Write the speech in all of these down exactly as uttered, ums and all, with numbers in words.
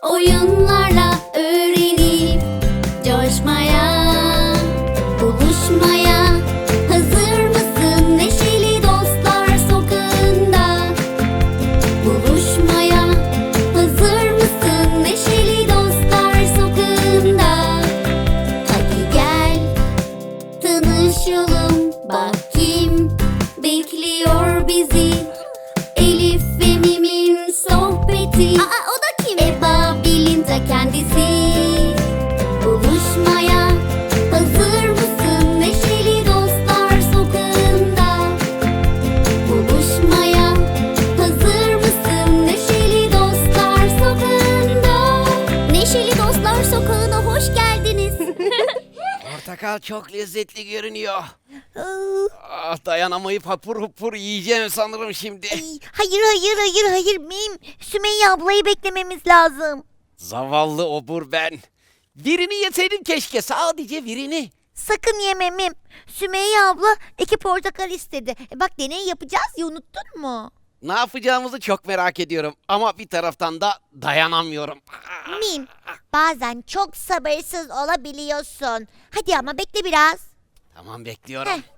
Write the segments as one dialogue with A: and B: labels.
A: Oyunlarla öğrenip coşmaya, buluşmaya hazır mısın? Neşeli Dostlar Sokağı'nda buluşmaya hazır mısın? Neşeli Dostlar Sokağı'nda hadi gel tanışalım, bak kim bekliyor bizi. Elif ve Mim'in sohbeti. Aa, o da kim? Eba Bil'in ta kendisi. Buluşmaya hazır mısın? Neşeli Dostlar Sokağı'nda buluşmaya hazır mısın? Neşeli Dostlar Sokağı'nda. Neşeli Dostlar Sokağı'na hoş geldiniz.
B: Portakal çok lezzetli görünüyor. Ah, dayanamayıp hapur hapur yiyeceğim sanırım şimdi.
C: Ay, hayır hayır hayır hayır Mim. Sümeyye ablayı beklememiz lazım.
B: Zavallı obur ben. Birini yeseydim keşke, sadece birini.
C: Sakın yeme Mim. Sümeyye abla iki portakal istedi. E bak deney yapacağız ya, unuttun mu?
B: Ne yapacağımızı çok merak ediyorum ama bir taraftan da dayanamıyorum.
C: Mim, bazen çok sabırsız olabiliyorsun. Hadi ama bekle biraz.
B: Tamam, bekliyorum.
C: Heh.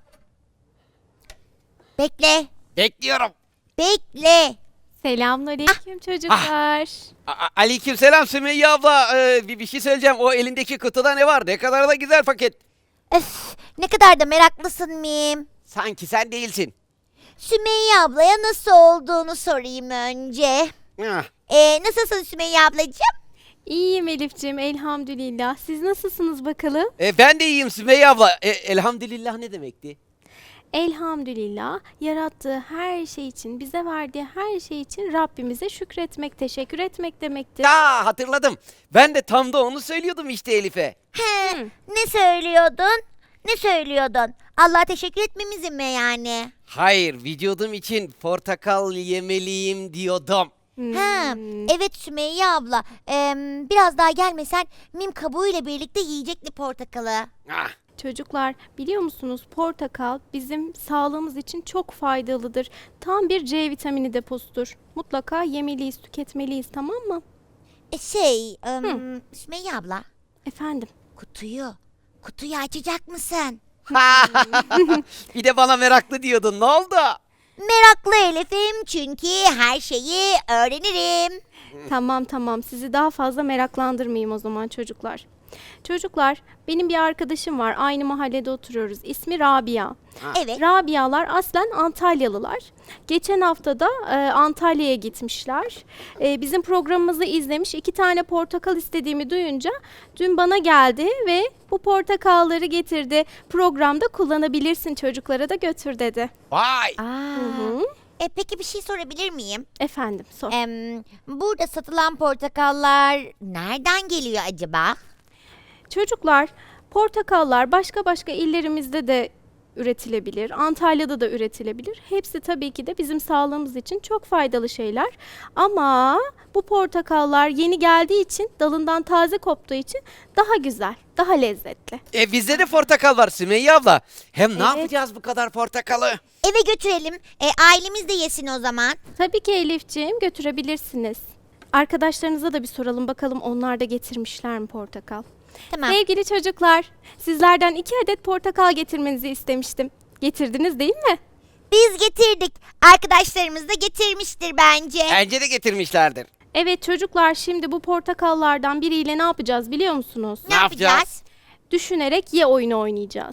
C: Bekle.
B: Bekliyorum.
C: Bekle.
D: Selamünaleyküm çocuklar.
B: A- Aleykümselam Sümeyye abla. Ee, bir, bir şey söyleyeceğim. O elindeki kutuda ne var? Ne kadar da güzel paket.
C: Öf, ne kadar da meraklısın Mim.
B: Sanki sen değilsin.
C: Sümeyye ablaya nasıl olduğunu sorayım önce.
B: Ah,
C: Ee, nasılsın Sümeyye ablacığım?
D: İyiyim Elif'ciğim elhamdülillah. Siz nasılsınız bakalım?
B: e, ben de iyiyim Sümeyye abla. E, elhamdülillah ne demekti?
D: Elhamdülillah yarattığı her şey için, bize verdiği her şey için Rabbimize şükretmek, teşekkür etmek demektir.
B: Ya hatırladım. Ben de tam da onu söylüyordum işte Elif'e.
C: He, ne söylüyordun? Ne söylüyordun? Allah'a teşekkür etmemizi mi yani?
B: Hayır, vücudum için portakal yemeliyim diyordum.
C: Ha, evet Sümeyye abla. Ee, biraz daha gelmesen Mim kabuğuyla birlikte yiyecekti portakalı.
B: Ah,
D: Çocuklar biliyor musunuz bizim bizim sağlığımız için çok faydalıdır. Tam bir C vitamini deposudur. Mutlaka yemeliyiz, tüketmeliyiz, tamam mı?
C: E şey, em, Sümeyye abla,
D: Efendim?
C: kutuyu, kutuyu açacak mısın?
B: bir de bana meraklı diyordun. Ne oldu?
C: Meraklı Elif'im çünkü her şeyi öğrenirim.
D: Tamam tamam sizi daha fazla meraklandırmayayım o zaman çocuklar. Çocuklar benim bir arkadaşım var, aynı mahallede oturuyoruz, ismi Rabia.
C: Evet.
D: Rabialar aslen Antalyalılar. Geçen hafta da e, Antalya'ya gitmişler. E, bizim programımızı izlemiş, iki tane portakal istediğimi duyunca dün bana geldi ve bu portakalları getirdi. Programda kullanabilirsin, çocuklara da götür dedi.
B: Vay.
C: Aa,
D: Hı.
C: E peki bir şey sorabilir miyim?
D: Efendim sor.
C: Em, burada satılan portakallar nereden geliyor acaba?
D: Çocuklar, portakallar başka başka illerimizde de üretilebilir. Antalya'da da üretilebilir. Hepsi tabii ki de bizim sağlığımız için çok faydalı şeyler. Ama bu portakallar yeni geldiği için, dalından taze koptuğu için daha güzel, daha lezzetli.
B: E bizde de portakal var Sümeyye abla. Hem ne
D: Evet.
B: yapacağız bu kadar portakalı?
C: Eve götürelim. E, ailemiz de yesin o zaman.
D: Tabii ki Elifciğim, götürebilirsiniz. Arkadaşlarınıza da bir soralım bakalım, onlar da getirmişler mi portakal?
C: Tamam.
D: Sevgili çocuklar, sizlerden iki adet portakal getirmenizi istemiştim. Getirdiniz değil mi?
C: Biz getirdik. Arkadaşlarımız da getirmiştir bence.
B: Bence de getirmişlerdir.
D: Evet çocuklar, şimdi bu portakallardan biriyle ne yapacağız biliyor musunuz?
C: Ne
B: Ne
C: yapacağız?
B: yapacağız?
D: Düşünerek ye oyunu oynayacağız.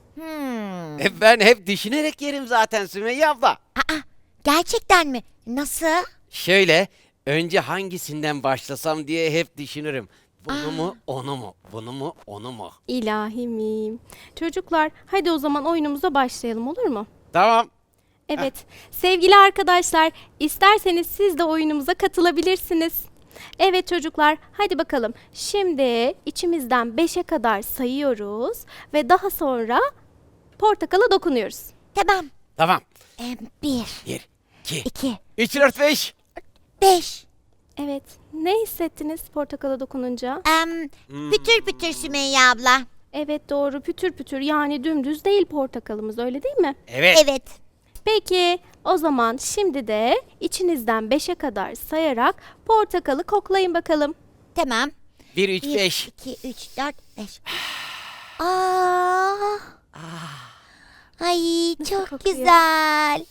C: Hmm.
B: E, ben hep düşünerek yerim zaten Sümeyye abla.
C: Aa, gerçekten mi? Nasıl?
B: Şöyle, önce hangisinden başlasam diye hep düşünürüm. Bunu mu, onu mu? Bunu mu, onu mu?
D: İlahimim. Çocuklar, hadi o zaman oyunumuza başlayalım, olur mu?
B: Tamam.
D: Evet, sevgili arkadaşlar, isterseniz siz de oyunumuza katılabilirsiniz. Evet çocuklar, hadi bakalım. Şimdi içimizden beşe kadar sayıyoruz ve daha sonra portakala dokunuyoruz.
C: Tamam.
B: Tamam.
C: Em, bir,
B: Bir, iki,
C: iki,
B: üç, dört, beş.
C: beş.
D: Evet, ne hissettiniz portakala dokununca?
C: Em, pütür pütür Sümeyye abla.
D: Evet doğru, pütür pütür, yani dümdüz değil portakalımız, öyle değil mi?
B: Evet.
C: Evet.
D: Peki o zaman şimdi de içinizden beşe kadar sayarak portakalı koklayın bakalım.
C: Tamam.
B: bir, üç,
C: Bir,
B: beş.
C: iki, üç, dört, beş. Aa. Ay çok
D: kokuyor?
C: güzel.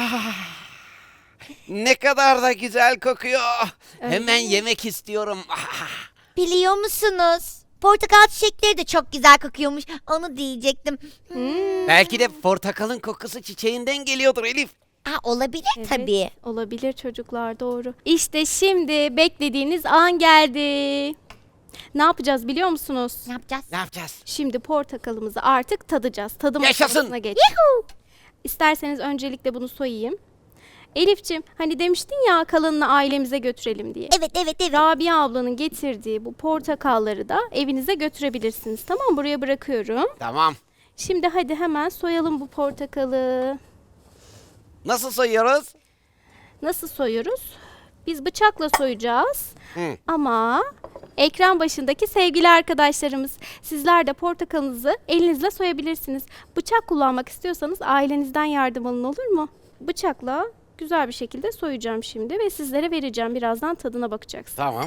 B: Ne kadar da güzel kokuyor.
D: Öyle
B: Hemen
D: mi?
B: yemek istiyorum. Ah,
C: Biliyor musunuz? Portakal çiçekleri de çok güzel kokuyormuş. Onu diyecektim.
B: Belki de portakalın kokusu çiçeğinden geliyordur Elif.
C: Aa, olabilir
D: Evet,
C: tabii.
D: olabilir çocuklar, doğru. İşte şimdi beklediğiniz an geldi. Ne yapacağız biliyor musunuz?
C: Ne yapacağız?
B: Ne yapacağız?
D: Şimdi portakalımızı artık tadacağız. Tadım
B: Yaşasın.
D: aşamasına geç. İsterseniz öncelikle bunu soyayım. Elif'ciğim hani demiştin ya kalanını ailemize götürelim diye.
C: Evet evet evet.
D: Rabia ablanın getirdiği bu portakalları da evinize götürebilirsiniz. Tamam, buraya bırakıyorum.
B: Tamam.
D: Şimdi hadi hemen soyalım bu portakalı.
B: Nasıl soyuyoruz?
D: Nasıl soyuyoruz? Biz bıçakla soyacağız.
B: Hı.
D: Ama ekran başındaki sevgili arkadaşlarımız, sizler de portakalınızı elinizle soyabilirsiniz. Bıçak kullanmak istiyorsanız ailenizden yardım alın, olur mu? Bıçakla güzel bir şekilde soyacağım şimdi ve sizlere vereceğim. Birazdan tadına bakacaksınız.
B: Tamam.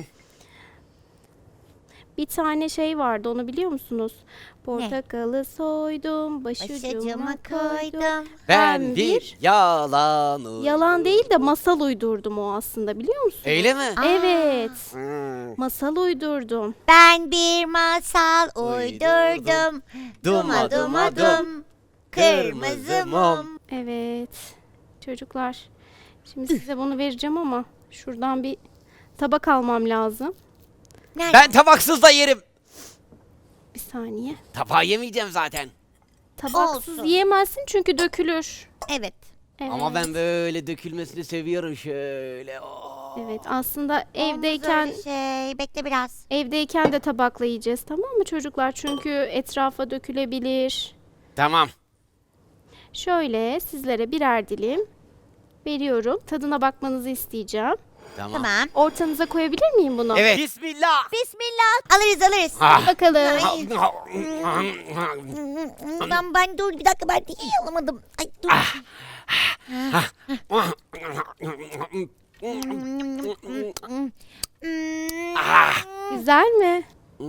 D: Bir tane şey vardı, onu biliyor musunuz? Portakalı soydum, başucuma
C: Başucuma
D: koydum.
C: koydum.
B: Ben bir yalan
D: Yalan değil de masal uydurdum o aslında, biliyor musunuz?
B: Öyle mi?
D: Evet.
B: Hmm.
D: Masal uydurdum.
C: Ben bir masal
B: Uydurdum.
C: uydurdum.
B: Duma duma dum.
C: Kırmızı mum.
D: Evet. Çocuklar, şimdi size bunu vereceğim ama şuradan bir tabak almam lazım.
C: Nerede?
B: Ben tabaksız da yerim.
D: Bir saniye.
B: Tabağı yemeyeceğim zaten.
D: Tabaksız
C: Olsun.
D: yiyemezsin çünkü dökülür.
C: Evet.
D: Evet.
B: Ama ben böyle dökülmesini seviyorum şöyle. Oh.
D: Evet, aslında
C: Olmaz
D: evdeyken
C: öyle şey. Bekle biraz.
D: evdeyken de tabakla yiyeceğiz, tamam mı çocuklar? Çünkü etrafa dökülebilir.
B: Tamam.
D: Şöyle sizlere birer dilim veriyorum. Tadına bakmanızı isteyeceğim.
B: Tamam.
C: Tamam.
D: Ortanıza koyabilir miyim bunu?
B: Evet. Bismillah.
C: Bismillah. Alırız alırız.
B: Ah.
D: Bakalım.
C: Ben, ben dur bir dakika ben iyi alamadım. Ay dur.
B: Ah.
D: Güzel mi?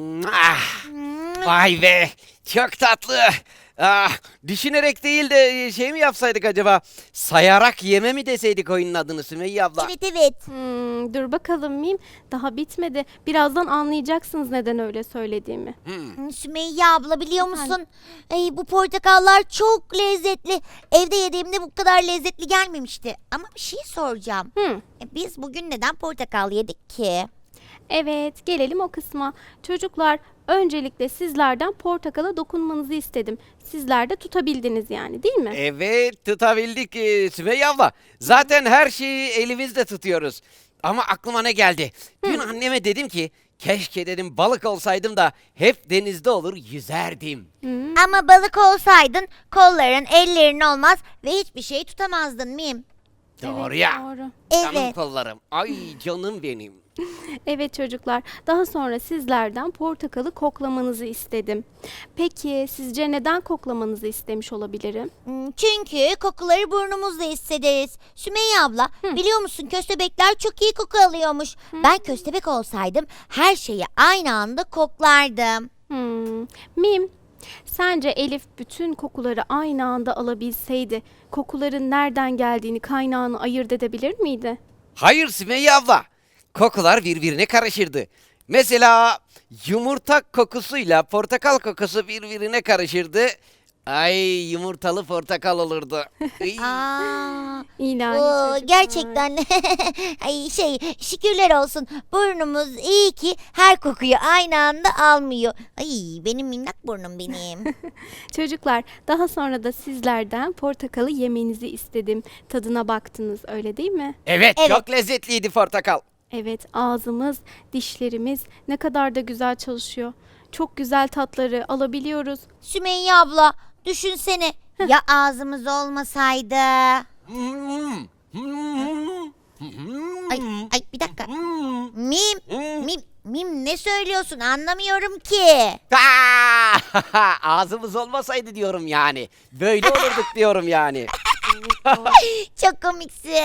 B: Ah. Vay be. Çok tatlı. Ah, düşünerek değil de şey mi yapsaydık acaba? Sayarak yeme mi deseydik oyunun adını Sümeyye abla?
C: Evet evet.
D: Hmm, dur bakalım Mim. Daha bitmedi. Birazdan anlayacaksınız neden öyle söylediğimi.
B: Hmm.
C: Sümeyye abla biliyor musun? Ay, bu portakallar çok lezzetli. Evde yediğimde bu kadar lezzetli gelmemişti. Ama bir şey soracağım.
D: Hmm.
C: E, Biz bugün neden portakal yedik ki?
D: Evet, gelelim o kısma. Çocuklar, öncelikle sizlerden portakala dokunmanızı istedim. Sizler de tutabildiniz yani, değil mi?
B: Evet, tutabildik e, Sümeyye abla. Zaten her şeyi elimizde tutuyoruz. Ama aklıma ne geldi? Dün anneme dedim ki keşke dedim balık olsaydım da hep denizde olur yüzerdim.
C: Ama balık olsaydın kolların ellerin olmaz ve hiçbir şey tutamazdın Mim.
B: Doğru
D: Evet,
B: ya.
D: doğru.
B: Canım
C: Evet.
B: kollarım. Ay canım benim.
D: Evet çocuklar, daha sonra sizlerden portakalı koklamanızı istedim. Peki sizce neden koklamanızı istemiş olabilirim?
C: Hmm, Çünkü kokuları burnumuzla hissederiz. Sümeyye abla biliyor musun köstebekler çok iyi koku alıyormuş. Ben köstebek olsaydım her şeyi aynı anda koklardım.
D: Hmm. Mim, sence Elif bütün kokuları aynı anda alabilseydi, kokuların nereden geldiğini, kaynağını ayırt edebilir miydi?
B: Hayır Sümeyye abla. Kokular birbirine karışırdı. Mesela yumurta kokusuyla portakal kokusu birbirine karışırdı. Ay yumurtalı portakal olurdu. Iy.
C: Aa,
D: İlahi
C: oo,
D: çocuklar.
C: gerçekten ay şey şükürler olsun burnumuz iyi ki her kokuyu aynı anda almıyor. Ay benim minnak burnum benim.
D: Çocuklar, daha sonra da sizlerden portakalı yemenizi istedim. Tadına baktınız, öyle değil mi?
B: Evet,
C: Evet.
B: çok lezzetliydi portakal.
D: Evet, ağzımız, dişlerimiz ne kadar da güzel çalışıyor. Çok güzel tatları alabiliyoruz.
C: Sümeyye abla düşünsene ya ağzımız olmasaydı. Ay, ay bir dakika. Mim, mim, mim ne söylüyorsun anlamıyorum ki.
B: Aa! Ağzımız olmasaydı diyorum yani. Böyle olurduk diyorum yani.
C: Çok komiksin.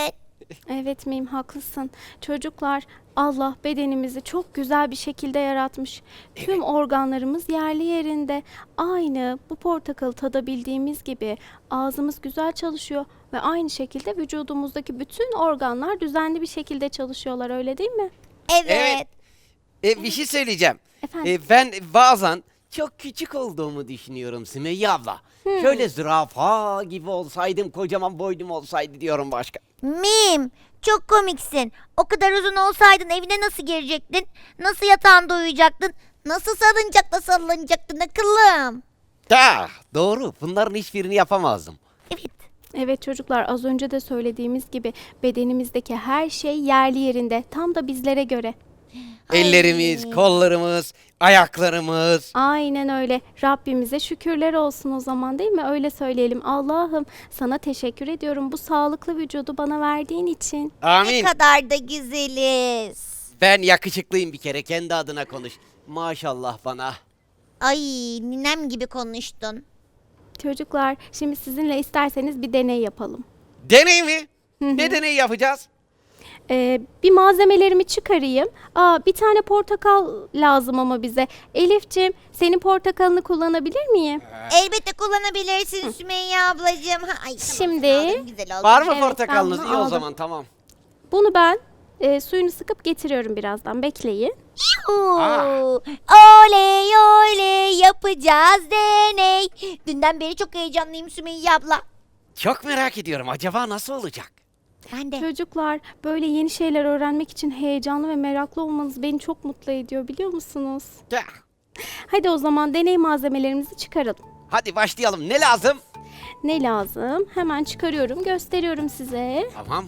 D: Evet miyim, haklısın. Çocuklar, Allah bedenimizi çok güzel bir şekilde yaratmış. Tüm organlarımız yerli yerinde. Aynı bu portakalı tadabildiğimiz gibi ağzımız güzel çalışıyor ve aynı şekilde vücudumuzdaki bütün organlar düzenli bir şekilde çalışıyorlar, öyle değil mi?
C: Evet.
B: Evet. E, bir şey söyleyeceğim.
D: Efendim?
B: E, ben bazen çok küçük olduğumu düşünüyorum Sümeyye abla. Şöyle zürafa gibi olsaydım, kocaman boynum olsaydı diyorum başka.
C: Mim, çok komiksin. O kadar uzun olsaydın evine nasıl girecektin? Nasıl yatağında uyuyacaktın? Nasıl salıncakta sallanacaktın akıllım?
B: Da, doğru. Bunların hiçbirini yapamazdım.
C: Evet.
D: Evet çocuklar, az önce de söylediğimiz gibi bedenimizdeki her şey yerli yerinde, tam da bizlere göre.
B: Ellerimiz, kollarımız, ayaklarımız.
D: Aynen öyle. Rabbimize şükürler olsun o zaman, değil mi? Öyle söyleyelim. Allah'ım sana teşekkür ediyorum bu sağlıklı vücudu bana verdiğin için.
C: Ne
B: Amin.
C: kadar da güzeliz.
B: Ben yakışıklıyım bir kere. Kendi adına konuş. Maşallah bana.
C: Ay, ninem gibi konuştun.
D: Çocuklar, şimdi sizinle isterseniz bir deney yapalım.
B: Deney mi? Ne deney yapacağız?
D: Ee, bir malzemelerimi çıkarayım. Aa, bir tane portakal lazım ama bize. Elif'ciğim, senin portakalını kullanabilir miyim?
C: Elbette kullanabilirsin Sümeyye ablacığım. Ha, ay, tamam,
D: Şimdi-
C: aldım, güzel oldu.
B: Var mı
D: Evet,
B: portakalınız?
D: ben
B: İyi
D: bunu
B: o
D: aldım.
B: zaman tamam.
D: Bunu ben e, suyunu sıkıp getiriyorum birazdan. Bekleyin.
C: Oo,
B: Aa.
C: oley oley yapacağız deney. Dünden beri çok heyecanlıyım Sümeyye abla.
B: Çok merak ediyorum. Acaba nasıl olacak?
C: Ben de.
D: Çocuklar, böyle yeni şeyler öğrenmek için heyecanlı ve meraklı olmanız beni çok mutlu ediyor, biliyor musunuz?
B: Ya,
D: Hadi o zaman deney malzemelerimizi çıkaralım.
B: hadi başlayalım. Ne lazım?
D: Ne lazım? Hemen çıkarıyorum, gösteriyorum size.
B: Tamam.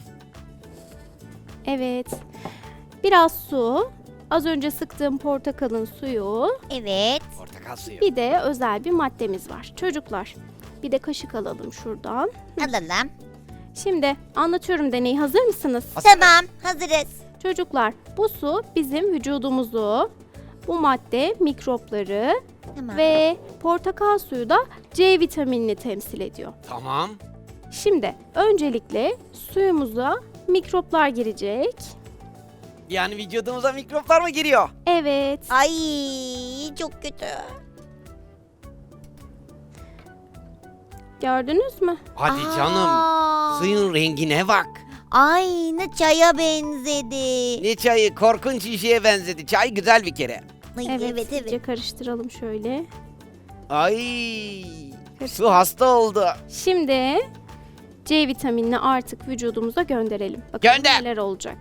D: Evet. Biraz su, az önce sıktığım portakalın suyu,
C: Evet.
B: Portakal suyu.
D: bir de özel bir maddemiz var. Çocuklar, bir de kaşık alalım şuradan.
C: Alalım.
D: Şimdi anlatıyorum deneyi, hazır mısınız?
C: Tamam, hazırız.
D: Çocuklar, bu su bizim vücudumuzu, bu madde mikropları
C: Tamam.
D: ve portakal suyu da C vitaminini temsil ediyor.
B: Tamam.
D: Şimdi öncelikle suyumuza mikroplar girecek.
B: Yani vücudumuza mikroplar mı giriyor?
D: Evet.
C: Ay, çok kötü.
D: Gördünüz mü?
B: Hadi canım.
C: Aa,
B: Suyun rengine bak.
C: Aynı çaya benzedi.
B: Ne çayı? Korkunç bir şeye benzedi. Çay güzel bir kere.
C: Ay,
D: Evet,
C: evet, evet.
D: iyice karıştıralım şöyle.
B: Ay. Su hasta oldu.
D: Şimdi C vitaminini artık vücudumuza gönderelim. Bakalım
B: Gönder.
D: neler olacak.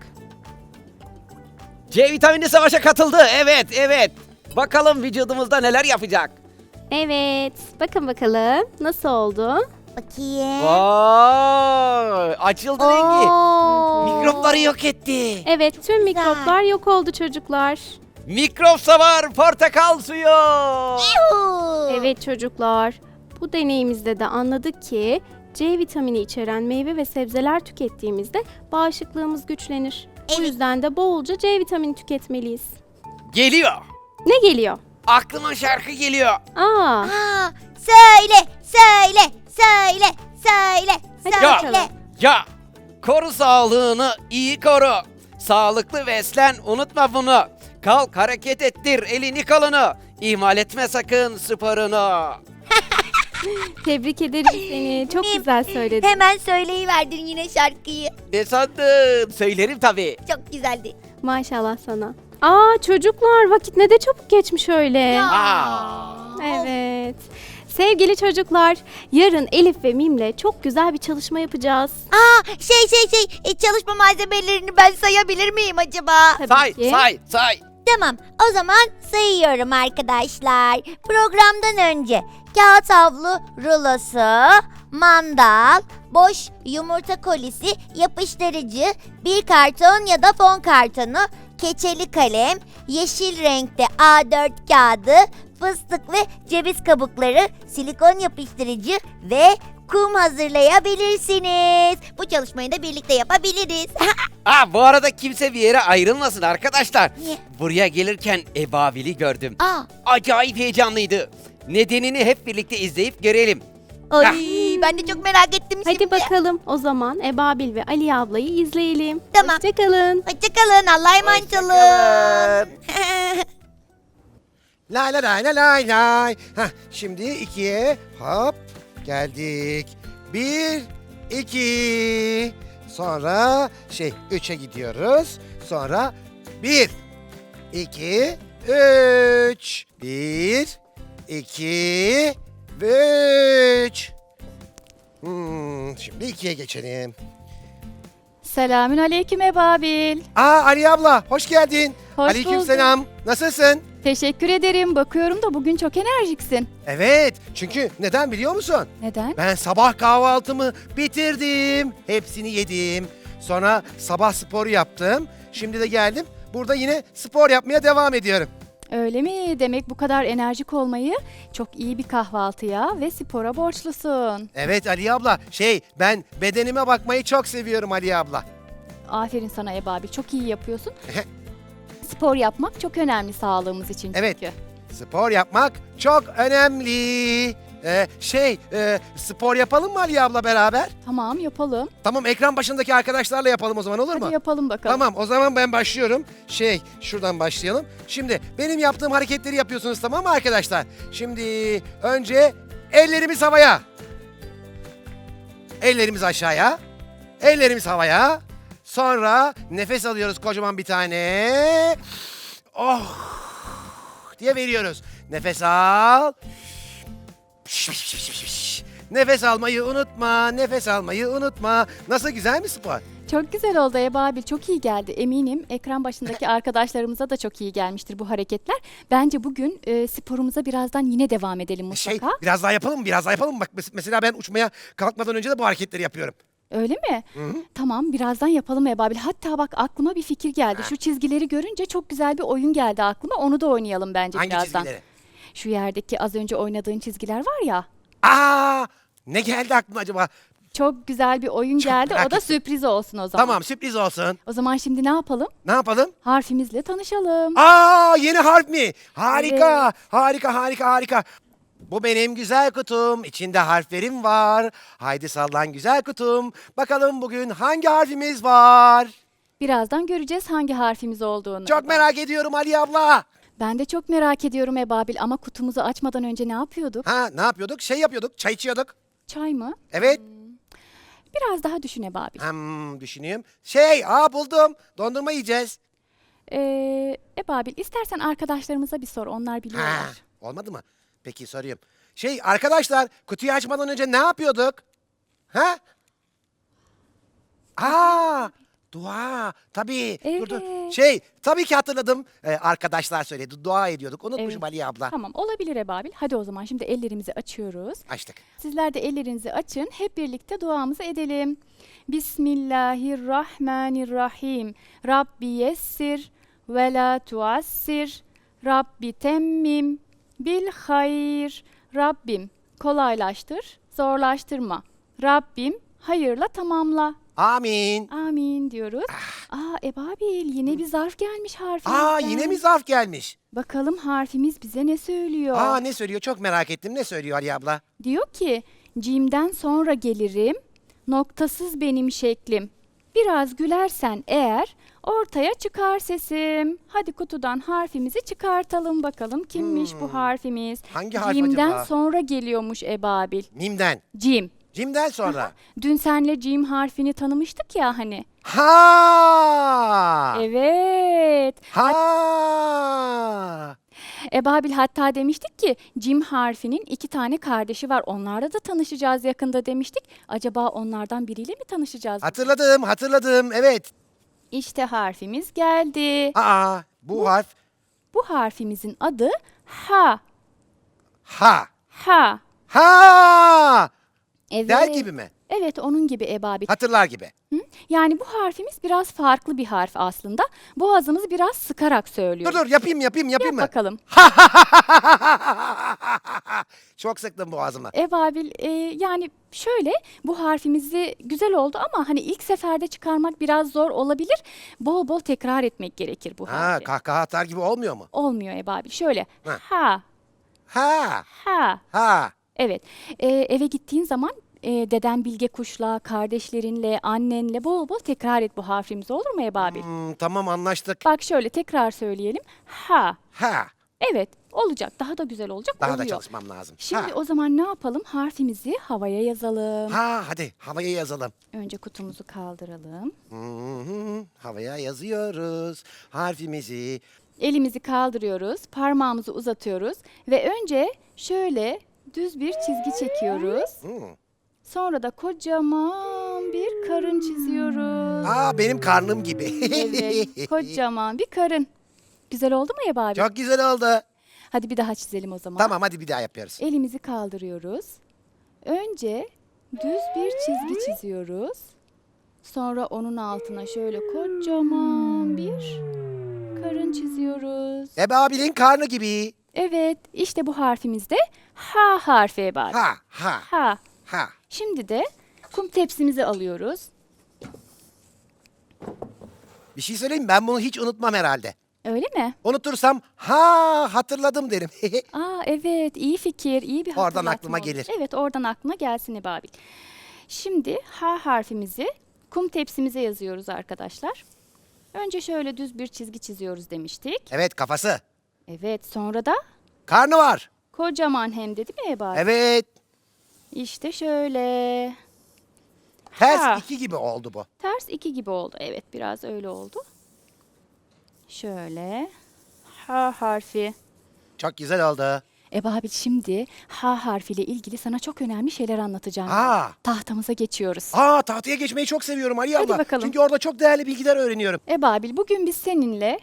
B: C vitamini savaşa katıldı. Evet, evet. Bakalım vücudumuzda neler yapacak.
D: Evet, bakın bakalım nasıl oldu?
C: Bakayım.
B: Vay! Açıldı rengi.
C: Oo.
B: Mikropları yok etti.
D: Evet, tüm
C: Güzel.
D: mikroplar yok oldu çocuklar.
B: Mikrop savar portakal suyu.
C: Yuhu.
D: Evet çocuklar, bu deneyimizde de anladık ki C vitamini içeren meyve ve sebzeler tükettiğimizde bağışıklığımız güçlenir. Bu
C: Evet.
D: yüzden de bolca C vitamini tüketmeliyiz.
B: Geliyor.
D: Ne geliyor?
B: Aklıma şarkı geliyor.
D: Aa,
C: Aa, söyle, söyle, söyle, söyle,
D: Hadi
B: Ya.
C: söyle.
B: Ya koru sağlığını, iyi koru. Sağlıklı beslen, unutma bunu. Kalk hareket ettir elini kolunu. İhmal etme sakın sporunu.
D: tebrik ederim seni. Çok
C: Mim,
D: güzel söyledin.
C: Hemen söyleyiverdin yine şarkıyı.
B: Ne sandın? Söylerim tabii.
C: Çok güzeldi.
D: Maşallah sana. Aa çocuklar, vakit ne de çabuk geçmiş öyle.
B: Aa.
D: Evet. Sevgili çocuklar, yarın Elif ve Mim'le çok güzel bir çalışma yapacağız.
C: Aa, şey şey şey, e, çalışma malzemelerini ben sayabilir miyim acaba?
D: Tabii
B: Say,
D: ki.
B: say, say.
C: Tamam, o zaman sayıyorum arkadaşlar. Programdan önce kağıt havlu rulosu, mandal, boş yumurta kolisi, yapıştırıcı, bir karton ya da fon kartonu, keçeli kalem, yeşil renkte A dört kağıdı, fıstık ve ceviz kabukları, silikon yapıştırıcı ve kum hazırlayabilirsiniz. Bu çalışmayı da birlikte yapabiliriz.
B: Aa, bu arada kimse bir yere ayrılmasın arkadaşlar.
C: Niye?
B: Buraya gelirken Ebabil'i gördüm.
C: Aa,
B: Acayip heyecanlıydı. Nedenini hep birlikte izleyip görelim.
C: ay
B: Ah.
C: Ben de çok merak ettim şimdi.
D: Hadi bakalım o zaman Ebabil ve Ali ablayı izleyelim.
C: Tamam.
D: Hoşçakalın.
C: Hoşçakalın. Allah'a emanet olun.
B: Hoşçakalın.
E: Lay lay lay lay lay lay. Hah, şimdi ikiye hop geldik. Bir, iki. Sonra şey üçe gidiyoruz. Sonra bir, iki, üç. Bir, iki ve üç. Hmm, şimdi ikiye geçelim.
F: Selamün aleyküm Ebabil.
E: Aa Ali abla hoş geldin.
F: Hoş
E: Aleykümselam. Nasılsın?
F: Teşekkür ederim. Bakıyorum da bugün çok enerjiksin.
E: Evet, çünkü neden biliyor musun?
F: Neden?
E: Ben sabah kahvaltımı bitirdim. Hepsini yedim. Sonra sabah sporu yaptım. Şimdi de geldim. Burada yine spor yapmaya devam ediyorum.
F: Öyle mi? Demek bu kadar enerjik olmayı çok iyi bir kahvaltıya ve spora borçlusun.
E: Evet Ali abla, şey ben bedenime bakmayı çok seviyorum Ali abla.
F: Aferin sana Ebabil. Çok iyi yapıyorsun. Spor yapmak çok önemli sağlığımız için çünkü.
E: Evet. Spor yapmak çok önemli. Ee, şey, e, spor yapalım mı Ali abla beraber?
F: Tamam yapalım.
E: Tamam, ekran başındaki arkadaşlarla yapalım o zaman, olur mu?
F: Hadi yapalım bakalım.
E: Tamam, o zaman ben başlıyorum. Şey, şuradan başlayalım. Şimdi benim yaptığım hareketleri yapıyorsunuz, tamam mı arkadaşlar? Şimdi önce ellerimiz havaya. Ellerimiz aşağıya. Ellerimiz havaya. Sonra nefes alıyoruz kocaman bir tane. Oh diye veriyoruz. Nefes al. Nefes almayı unutma. Nefes almayı unutma. Nasıl, güzel mi spor?
F: Çok güzel oldu Ebabil. Çok iyi geldi. Eminim ekran başındaki arkadaşlarımıza da çok iyi gelmiştir bu hareketler. Bence bugün e, sporumuza birazdan yine devam edelim
E: Şey,
F: mutlaka.
E: biraz daha yapalım mı? Biraz daha yapalım mı? Bak mes- mesela ben uçmaya kalkmadan önce de bu hareketleri yapıyorum.
F: Öyle mi?
E: Hı-hı.
F: Tamam, birazdan yapalım Ebabil. Hatta bak aklıma bir fikir geldi. Şu çizgileri görünce çok güzel bir oyun geldi aklıma. Onu da oynayalım bence
E: Hangi
F: birazdan.
E: çizgileri?
F: Şu yerdeki az önce oynadığın çizgiler var ya.
E: Aa, ne geldi aklıma acaba?
F: Çok güzel bir oyun
E: Çok
F: geldi.
E: merak
F: O da
E: ettim.
F: sürpriz olsun o zaman.
E: Tamam, sürpriz olsun.
F: O zaman şimdi ne yapalım?
E: Ne yapalım?
F: Harfimizle tanışalım.
E: Aa, yeni harf mi? Harika, harika, harika, harika. Bu benim güzel kutum. İçinde harflerim var. Haydi sallan güzel kutum. Bakalım bugün hangi harfimiz var?
F: Birazdan göreceğiz hangi harfimiz olduğunu.
E: Çok merak ediyorum Ali abla.
F: Ben de çok merak ediyorum Ebabil ama kutumuzu açmadan önce ne yapıyorduk?
E: Ha, ne yapıyorduk? Şey yapıyorduk, çay içiyorduk.
F: Çay mı?
E: Evet.
F: Biraz daha düşün Ebabil.
E: Hmm, düşüneyim. Şey, aa buldum. Dondurma yiyeceğiz.
F: Ee, Ebabil istersen arkadaşlarımıza bir sor. Onlar
E: Ha,
F: biliyorlar.
E: olmadı mı? Peki sorayım. Şey, arkadaşlar, kutuyu açmadan önce ne yapıyorduk? Ha? Aa, dua. Tabii. Dur, dur.
F: Evet.
E: Şey, tabii ki hatırladım. Ee, arkadaşlar söyledi. Dua ediyorduk. Unutmuşum
F: Evet.
E: Ali abla.
F: Tamam, olabilir Ebabil. Hadi o zaman şimdi ellerimizi açıyoruz.
E: Açtık.
F: Sizler de ellerinizi açın. Hep birlikte duamızı edelim. Bismillahirrahmanirrahim. Rabbi yessir ve la tuassir. Rabbi temmim bil hayır. Rabbim kolaylaştır, zorlaştırma. Rabbim hayırla tamamla.
E: Amin.
F: Amin diyoruz. Aa Ebabil, yine bir zarf gelmiş harfimizden.
E: Aa, yine mi zarf gelmiş?
F: Bakalım harfimiz bize ne söylüyor?
E: Aa, ne söylüyor? Çok merak ettim. Ne söylüyor Ali abla?
F: Diyor ki cimden sonra gelirim, noktasız benim şeklim. Biraz gülersen eğer ortaya çıkar sesim. Hadi kutudan harfimizi çıkartalım bakalım kimmiş
E: Hmm.
F: bu harfimiz.
E: Hangi harf
F: Cimden
E: acaba?
F: sonra geliyormuş Ebabil.
E: Mim'den.
F: Cim.
E: Cim'den sonra.
F: Dün senle cim harfini tanımıştık ya hani.
E: Ha!
F: Evet.
E: Ha!
F: Ebabil hatta demiştik ki cim harfinin iki tane kardeşi var. Onlarla da tanışacağız yakında demiştik. Acaba onlardan biriyle mi tanışacağız?
E: Hatırladım, hatırladım. Evet.
F: İşte harfimiz geldi.
E: Aa, bu harf
F: Bu harfimizin adı ha.
E: ha.
F: Ha.
E: Ha!
F: Evet.
E: Der gibi mi?
F: Evet, onun gibi Ebabil.
E: Hatırlar gibi.
F: Hı? Yani bu harfimiz biraz farklı bir harf aslında. Boğazımızı biraz sıkarak söylüyoruz.
E: Dur dur, yapayım yapayım yapayım
F: Yap
E: mı?
F: bakalım.
E: Çok sıktım boğazıma.
F: Ebabil e, yani şöyle, bu harfimizi güzel oldu ama hani ilk seferde çıkarmak biraz zor olabilir. Bol bol tekrar etmek gerekir bu
E: Ha,
F: harfi.
E: kahkaha atar gibi olmuyor mu?
F: Olmuyor Ebabil. Şöyle
E: Ha.
F: ha
E: Ha!
F: ha.
E: Ha!
F: Evet. E, eve gittiğin zaman e, deden Bilge Kuş'la, kardeşlerinle, annenle bol bol tekrar et bu harfimizi, olur mu Ebabil?
E: Hmm, tamam anlaştık.
F: Bak şöyle tekrar söyleyelim. Ha.
E: Ha.
F: Evet, olacak. Daha da güzel olacak.
E: Daha da
F: oluyor.
E: çalışmam lazım.
F: Şimdi
E: ha.
F: o zaman ne yapalım? Harfimizi havaya yazalım.
E: Ha hadi havaya yazalım.
F: Önce kutumuzu kaldıralım.
E: Hı hı, havaya yazıyoruz harfimizi.
F: Elimizi kaldırıyoruz, parmağımızı uzatıyoruz ve önce şöyle düz bir çizgi çekiyoruz.
E: Hı.
F: Sonra da kocaman bir karın çiziyoruz.
E: Aa benim karnım gibi.
F: Evet, kocaman bir karın. Güzel oldu mu Ebabil?
E: Çok güzel oldu.
F: Hadi bir daha çizelim o zaman.
E: Tamam hadi bir daha yapıyoruz.
F: Elimizi kaldırıyoruz. Önce düz bir çizgi çiziyoruz. Sonra onun altına şöyle kocaman bir karın çiziyoruz.
E: Ebabil'in karnı gibi.
F: Evet, işte bu harfimiz de ha harfi Ebabil.
E: Ha ha
F: Ha.
E: ha.
F: Şimdi de kum tepsimizi alıyoruz.
E: Bir şey söyleyeyim mi? Ben bunu hiç unutmam herhalde.
F: Öyle mi?
E: Unutursam ha hatırladım derim.
F: Aa evet, iyi fikir, iyi bir
E: Oradan
F: hatırlatma
E: aklıma
F: olmuş.
E: gelir.
F: Evet, oradan aklına gelsin Ebabil. Şimdi ha harfimizi kum tepsimize yazıyoruz arkadaşlar. Önce şöyle düz bir çizgi çiziyoruz demiştik.
E: Evet kafası.
F: Evet, sonra da
E: Karnı var.
F: kocaman hem de değil mi Ebabil?
E: Evet.
F: İşte şöyle.
E: Ters
F: Ha.
E: iki gibi oldu bu.
F: Ters iki gibi oldu. Evet, biraz öyle oldu. Şöyle. Ha harfi.
E: Çok güzel oldu.
F: Ebabil, şimdi ha harfiyle ilgili sana çok önemli şeyler anlatacağım.
E: Aa.
F: Tahtamıza geçiyoruz.
E: Aa tahtaya geçmeyi çok seviyorum Ali
F: Hadi
E: abla.
F: bakalım.
E: Çünkü orada çok değerli bilgiler öğreniyorum.
F: Ebabil, bugün biz seninle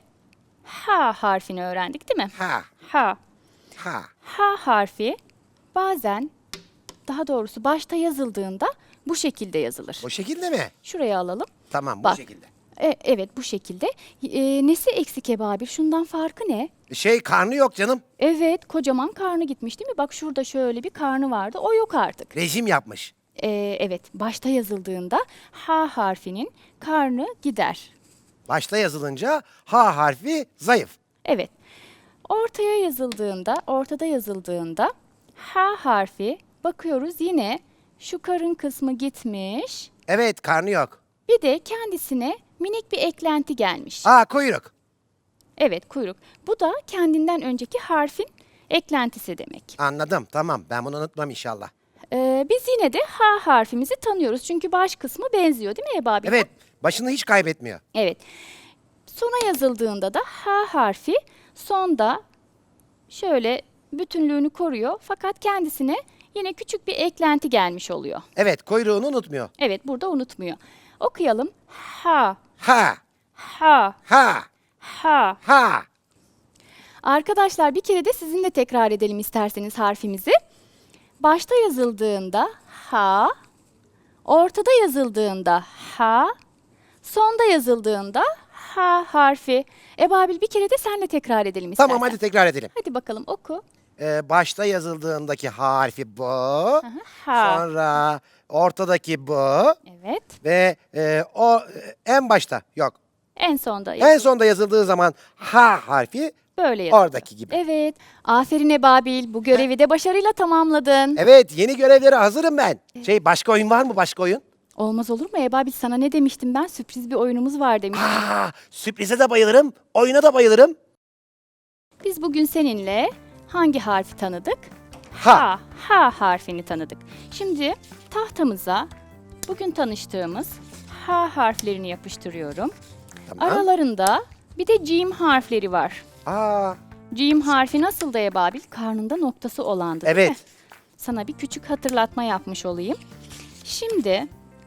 F: ha harfini öğrendik değil mi?
E: Ha
F: Ha.
E: ha.
F: Ha harfi bazen, daha doğrusu başta yazıldığında bu şekilde yazılır.
E: O şekilde mi?
F: Şuraya alalım.
E: Tamam bu
F: Bak.
E: şekilde.
F: E, evet, bu şekilde. E, nesi eksik Ebabil? Şundan farkı ne?
E: Şey karnı yok canım.
F: Evet, kocaman karnı gitmiş değil mi? Bak şurada şöyle bir karnı vardı. O yok artık.
E: Rejim yapmış.
F: E, evet, başta yazıldığında ha harfinin karnı gider.
E: Başta yazılınca ha harfi zayıf.
F: Evet. Ortaya yazıldığında, ortada yazıldığında ha harfi, bakıyoruz yine şu karın kısmı gitmiş.
E: Evet karnı yok.
F: Bir de kendisine minik bir eklenti gelmiş.
E: Aa kuyruk.
F: Evet, kuyruk. Bu da kendinden önceki harfin eklentisi demek.
E: Anladım tamam ben bunu unutmam inşallah.
F: Ee, biz yine de ha harfimizi tanıyoruz. Çünkü baş kısmı benziyor değil mi Ebabil?
E: Evet başını hiç kaybetmiyor.
F: Evet. Sona yazıldığında da ha harfi sonda şöyle bütünlüğünü koruyor. Fakat kendisine yine küçük bir eklenti gelmiş oluyor.
E: Evet kuyruğunu unutmuyor.
F: Evet, burada unutmuyor. Okuyalım. Ha,
E: Ha
F: ha,
E: ha
F: ha.
E: ha.
F: Arkadaşlar, bir kere de sizinle tekrar edelim isterseniz harfimizi. Başta yazıldığında ha, ortada yazıldığında ha, sonda yazıldığında ha harfi. Ebabil, bir kere de senle tekrar edelim istersen.
E: Tamam hadi tekrar edelim.
F: Hadi bakalım oku.
E: Ee, başta yazıldığındaki harfi bu.
F: Ha.
E: Sonra ortadaki bu.
F: Evet.
E: Ve e, o e, en başta yok.
F: En sonda
E: En
F: yazıldı.
E: sonda yazıldığı zaman ha harfi
F: Böyle yazıldı.
E: oradaki gibi.
F: Evet. Aferin Ebabil. Bu görevi de başarıyla tamamladın.
E: Evet yeni görevlere hazırım ben. Şey başka oyun var mı başka oyun?
F: Olmaz olur mu Ebabil? Sana ne demiştim ben? Sürpriz bir oyunumuz var demiştim.
E: Aa, sürprize de bayılırım. Oyuna da bayılırım.
F: Biz bugün seninle hangi harfi tanıdık?
E: Ha.
F: Ha, ha harfini tanıdık. Şimdi tahtamıza bugün tanıştığımız ha harflerini yapıştırıyorum.
E: Tamam.
F: Aralarında bir de cim harfleri var.
E: Aa,
F: Cim harfi nasıl da Ebabil? Karnında noktası olandı değil mi?
E: evet.
F: Sana bir küçük hatırlatma yapmış olayım. Şimdi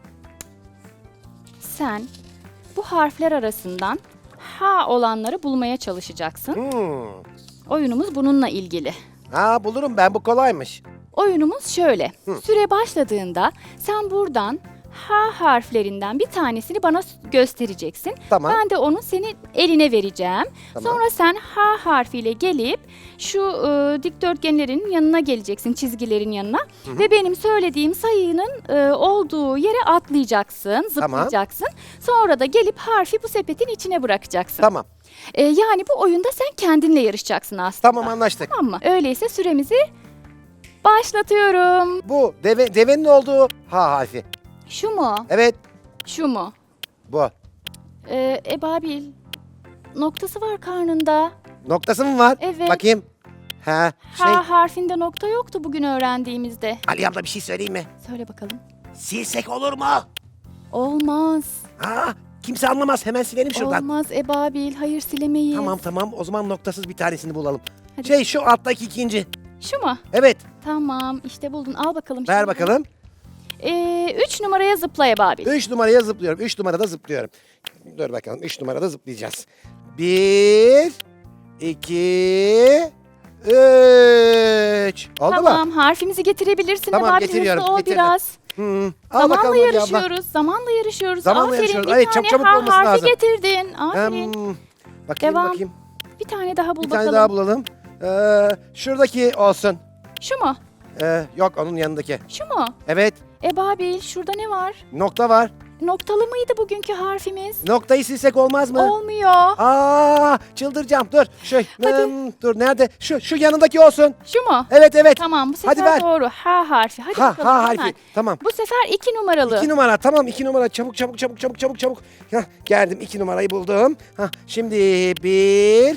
F: sen bu harfler arasından ha olanları bulmaya çalışacaksın.
E: Hmm.
F: Oyunumuz bununla ilgili.
E: Aa, bulurum ben bu kolaymış.
F: Oyunumuz şöyle.
E: Hı.
F: Süre başladığında sen buradan ha harflerinden bir tanesini bana s- göstereceksin.
E: Tamam.
F: Ben de onu senin eline vereceğim.
E: Tamam.
F: Sonra sen ha harfiyle gelip şu e, dikdörtgenlerin yanına geleceksin, çizgilerin yanına. Ve benim söylediğim sayının e, olduğu yere atlayacaksın, zıplayacaksın. Sonra da gelip harfi bu sepetin içine bırakacaksın.
E: Tamam.
F: E, yani bu oyunda sen kendinle yarışacaksın aslında.
E: Tamam anlaştık.
F: Tamam mı? Öyleyse süremizi Başlatıyorum.
E: Bu deve, devenin olduğu ha harfi.
F: Şu mu?
E: Evet,
F: Şu mu?
E: bu.
F: Ee, ebabil. Noktası var karnında.
E: Noktası mı var?
F: Evet.
E: Bakayım. Ha, şey.
F: Ha harfinde nokta yoktu bugün öğrendiğimizde.
E: Ali abla bir şey söyleyeyim mi?
F: Söyle bakalım.
E: Silsek olur mu?
F: Olmaz.
E: Ha, kimse anlamaz. Hemen silelim şuradan.
F: Olmaz ebabil. Hayır silemeyiz.
E: Tamam tamam. O zaman noktasız bir tanesini bulalım.
F: Hadi.
E: Şey şu alttaki ikinci.
F: Şu mu?
E: Evet.
F: Tamam işte buldun. Al bakalım.
E: Ver
F: şimdi.
E: bakalım.
F: Ee, üç numaraya zıpla ebabil.
E: Üç numaraya zıplıyorum. Üç numarada zıplıyorum. Dur bakalım. Üç numarada zıplayacağız. Bir, iki, üç. Oldu
F: Tamam
E: mu?
F: harfimizi getirebilirsin
E: Tamam,
F: ebabil.
E: getiriyorum,
F: Hızlı ol
E: getirdim.
F: biraz.
E: Hı. Al
F: Zamanla
E: bakalım Ali abla.
F: yarışıyoruz. Zamanla yarışıyoruz.
E: Zamanla
F: Aferin.
E: yarışıyoruz.
F: Bir
E: Evet,
F: tane
E: çok çabuk
F: ha
E: olması
F: harfi
E: lazım.
F: getirdin. Aferin.
E: Hmm, bakayım
F: Devam.
E: bakayım.
F: Bir tane daha bul
E: Bir
F: bakalım.
E: tane daha bulalım. Ee, şuradaki olsun.
F: Şu mu?
E: Ee, yok onun yanındaki.
F: Şu mu?
E: Evet.
F: Ebabil şurada ne var?
E: Nokta var.
F: Noktalı mıydı bugünkü harfimiz?
E: Noktayı silsek olmaz mı?
F: Olmuyor.
E: Aa, çıldıracağım. Dur. Şu,
F: Hadi.
E: hmm, dur nerede? Şu şu yanındaki olsun.
F: Şu mu?
E: Evet evet.
F: Tamam bu
E: Hadi
F: sefer
E: ver.
F: doğru. Ha harfi. Hadi
E: Ha
F: bakalım
E: ha
F: hemen.
E: harfi. Tamam.
F: Bu sefer iki numaralı.
E: İki numara. Tamam iki numara. Çabuk çabuk çabuk çabuk çabuk çabuk. Hah, geldim. iki numarayı buldum. Hah, şimdi bir,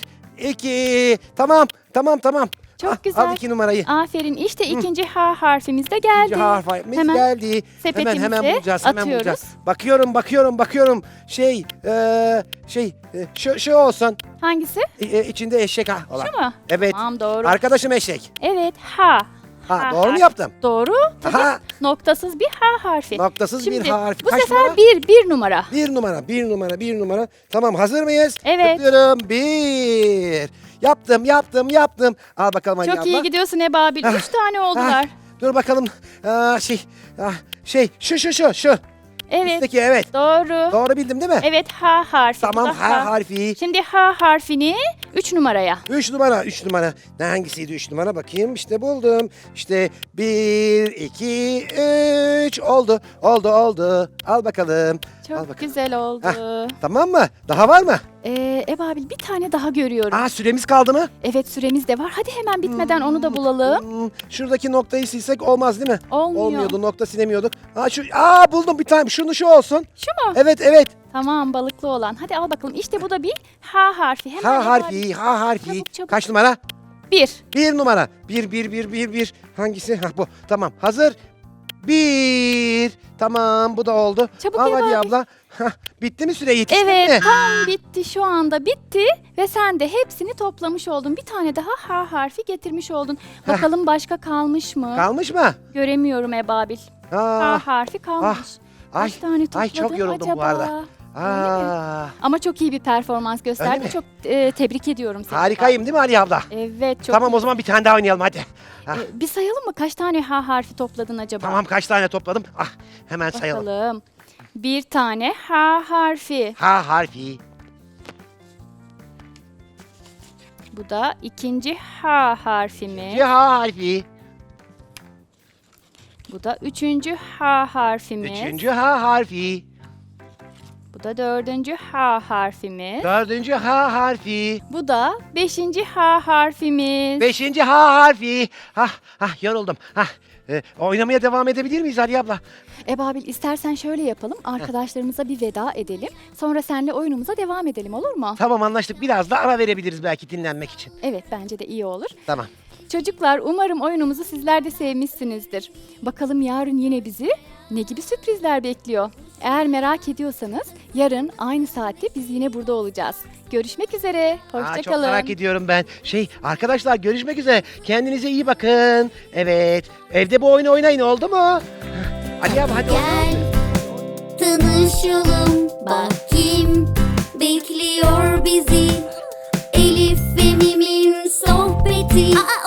E: iki. Tamam. Tamam tamam.
F: Çok
E: Ah,
F: güzel.
E: Al iki numarayı.
F: Aferin işte ikinci ha harfimiz de geldi.
E: İkinci harfimiz
F: Hemen
E: geldi. Hemen
F: sepetimize
E: hemen bulacağız. Hemen
F: atıyoruz.
E: bulacağız. Bakıyorum bakıyorum bakıyorum. Şey eee şey e, şu şu olsun.
F: Hangisi?
E: E, e, içinde eşek ha olan.
F: Şu mu?
E: Evet.
F: Tamam doğru.
E: Arkadaşım eşek.
F: Evet ha.
E: Ha,
F: Ha
E: doğru mu
F: harfi.
E: yaptım?
F: Doğru. Tabii.
E: Aha.
F: Noktasız bir ha harfi.
E: Noktasız
F: Şimdi,
E: bir harf.
F: Bu
E: Kaç
F: sefer
E: numara?
F: bir, bir numara.
E: Bir numara, bir numara, bir numara. Tamam hazır mıyız?
F: Evet.
E: Zıplıyorum. Bir. Yaptım, yaptım, yaptım. Al bakalım Ali
F: Çok
E: abla.
F: iyi gidiyorsun Ebabil.
E: Ah,
F: Üç tane oldular.
E: Ah, dur bakalım. Aa, şey, ah, şey, şu şu şu şu.
F: Evet.
E: Üstteki evet.
F: Doğru.
E: Doğru bildim değil mi?
F: Evet ha harfi. Bu
E: Tamam
F: da
E: ha harfi.
F: Şimdi ha harfini üç numaraya.
E: Üç numara, üç numara. Ne hangisiydi üç numara? Bakayım işte buldum. İşte bir, iki, üç. Oldu, oldu, oldu. Al bakalım. Al
F: Çok
E: bakalım.
F: güzel oldu.
E: Tamam mı? Daha var mı?
F: Ee, Ebabil bir tane daha görüyorum.
E: Aa süremiz kaldı mı?
F: Evet süremiz de var. Hadi hemen bitmeden onu da bulalım.
E: Hmm, şuradaki noktayı silsek olmaz değil mi?
F: Olmuyor.
E: Olmuyordu, nokta silemiyorduk. Aa şu, aa buldum bir tane. Şunu şu olsun.
F: Şu mu?
E: Evet, evet.
F: Tamam balıklı olan. Hadi al bakalım. İşte bu da bir ha harfi. Hemen
E: Ha
F: Ebabil.
E: harfi, ha harfi.
F: Çabuk, çabuk.
E: Kaç numara?
F: Bir.
E: Bir numara. Bir, bir, bir, bir, bir. Hangisi? Ha bu. Tamam. Hazır. Bir. Tamam bu da oldu.
F: Çabuk
E: Al
F: Ev
E: hadi
F: abi.
E: abla. Hah, bitti mi süre yetişti
F: Evet
E: mi?
F: tam bitti şu anda bitti ve sen de hepsini toplamış oldun. Bir tane daha ha harfi getirmiş oldun. Bakalım başka kalmış mı?
E: Kalmış mı?
F: Göremiyorum Ebabil. Ha
E: Aa,
F: harfi kalmış.
E: ay,
F: Kaç tane topladın
E: ay çok yoruldum
F: acaba?
E: bu arada. Aa,
F: Ama çok iyi bir performans
E: Öyle
F: gösterdin.
E: mi?
F: Çok e, tebrik ediyorum seni.
E: harikayım değil mi Ali abla?
F: Evet çok
E: Tamam
F: iyi.
E: o zaman bir tane daha oynayalım hadi. Ah,
F: E, bir sayalım mı kaç tane ha harfi topladın acaba?
E: tamam kaç tane topladım? Ah hemen sayalım.
F: Bakalım. Bir tane ha harfi.
E: Ha harfi.
F: Bu da ikinci ha harfimiz.
E: İkinci ha harfi.
F: Bu da üçüncü ha harfimiz.
E: Üçüncü ha harfi.
F: Bu da dördüncü ha harfimiz.
E: Dördüncü ha harfi.
F: Bu da beşinci ha harfimiz.
E: Beşinci ha harfi. Hah, hah yoruldum. Hah, e, oynamaya devam edebilir miyiz Ali abla?
F: Ebabil istersen şöyle yapalım. Arkadaşlarımıza bir veda edelim. Sonra seninle oyunumuza devam edelim olur mu?
E: Tamam anlaştık. Biraz da ara verebiliriz belki dinlenmek için.
F: Evet bence de iyi olur.
E: Tamam.
F: Çocuklar umarım oyunumuzu sizler de sevmişsinizdir. Bakalım yarın yine bizi ne gibi sürprizler bekliyor? Eğer merak ediyorsanız yarın aynı saatte biz yine burada olacağız. Görüşmek üzere.
E: Aa,
F: Hoşça
E: çok
F: kalın.
E: merak ediyorum ben. Şey arkadaşlar görüşmek üzere. Kendinize iyi bakın. Evet. Evde bu oyunu oynayın oldu mu? Hah, Ali abi hadi
A: Gel tanışalım bak kim bekliyor bizi Elif ve Mim'in sohbeti Aa